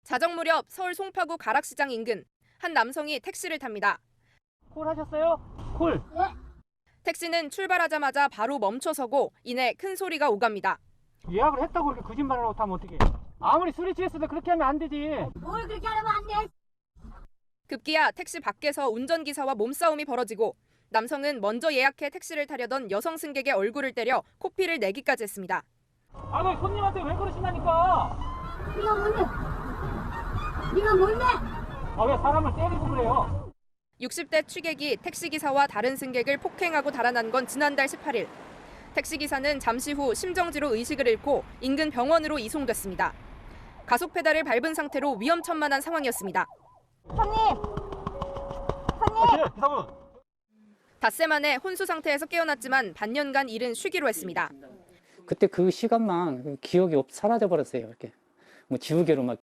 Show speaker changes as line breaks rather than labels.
자정 무렵 서울 송파구 가락시장 인근 한 남성이 택시를 탑니다.
콜 하셨어요? 콜.
택시는 출발하자마자 바로 멈춰서고 이내 큰 소리가 오갑니다.
예약을 했다고 이렇게 거짓말을 하면 어떡해. 아무리 술이 취했어도 그렇게 하면 안 되지.
뭘 그렇게 하면 안 돼?
급기야 택시 밖에서 운전기사와 몸싸움이 벌어지고 남성은 먼저 예약해 택시를 타려던 여성 승객의 얼굴을 때려 코피를 내기까지 했습니다.
아, 너 손님한테 왜 그러신다니까?
네가 뭔데?
아, 왜 사람을 때리고 그래요?
60대 취객이 택시기사와 다른 승객을 폭행하고 달아난 건 지난달 18일. 택시기사는 잠시 후 심정지로 의식을 잃고 인근 병원으로 이송됐습니다. 가속 페달을 밟은 상태로 위험천만한 상황이었습니다.
기사분.
닷새 만에 혼수 상태에서 깨어났지만 반년간 일은 쉬기로 했습니다.
그때 그 시간만 기억이 사라져 버렸어요. 이렇게 뭐 지우개로 막